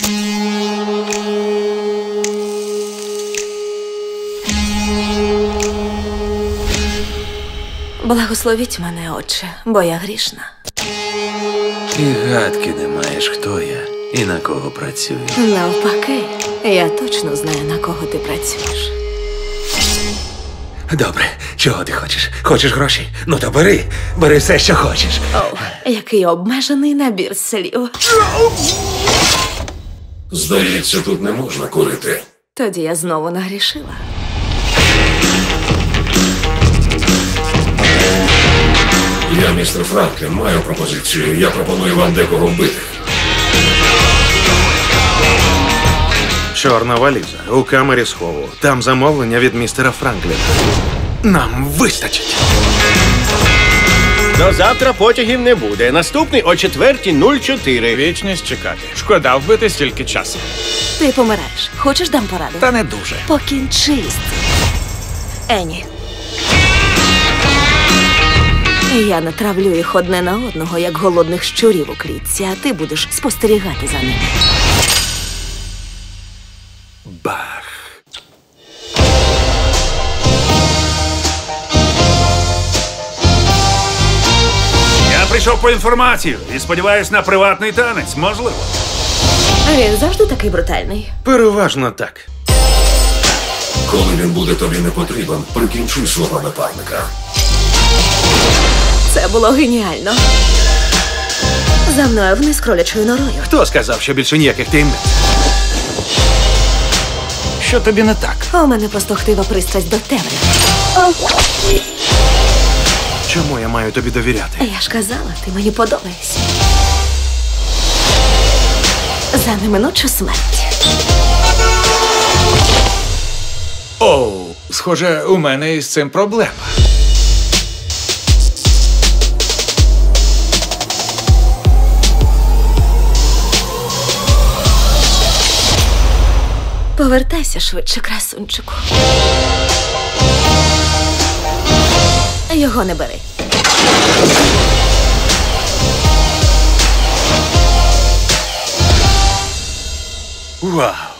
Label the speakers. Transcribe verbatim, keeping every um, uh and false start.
Speaker 1: Благословіть мене, Отче, бо я грішна.
Speaker 2: І гадки не маєш, хто я і на кого працюю.
Speaker 1: Навпаки, я точно знаю, на кого ти працюєш.
Speaker 2: Добре, чого ти хочеш? Хочеш гроші? Ну то бери, бери все, що хочеш.
Speaker 1: О, який обмежений набір слів.
Speaker 3: Здається, тут не можна курити.
Speaker 1: Тоді я знову нагрішила.
Speaker 3: Я, містер Франклін, маю пропозицію. Я пропоную вам декого вбити.
Speaker 4: Чорна валіза у камері схову. Там замовлення від містера Франкліна. Нам вистачить.
Speaker 5: До завтра потягів не буде. Наступний о четвертій нуль чотири.
Speaker 6: Вічність чекати. Шкода вбити стільки часу.
Speaker 1: Ти помираєш. Хочеш, дам пораду?
Speaker 6: Та не дуже.
Speaker 1: Покінчи з цим. Ені. Я натравлю їх одне на одного, як голодних щурів у клітці, а ти будеш спостерігати за ними.
Speaker 2: Бах.
Speaker 6: Я прийшов по інформацію і сподіваюсь на приватний танець, можливо.
Speaker 1: Він завжди такий брутальний.
Speaker 4: Переважно так.
Speaker 3: Коли він буде тобі не потрібен, прикінчуй свого напарника.
Speaker 1: Це було геніально. За мною вниз кролячою норою.
Speaker 4: Хто сказав, що більше ніяких таємниць?
Speaker 6: Що тобі не так?
Speaker 1: У мене просто хтива пристрасть до темряви.
Speaker 4: Чому я маю тобі довіряти?
Speaker 1: Я ж казала, ти мені подобаєшся. За неминучу смерть.
Speaker 6: Оу, схоже, у мене із цим проблема.
Speaker 1: Повертайся швидше, красунчику. Його не бери.
Speaker 4: Вау!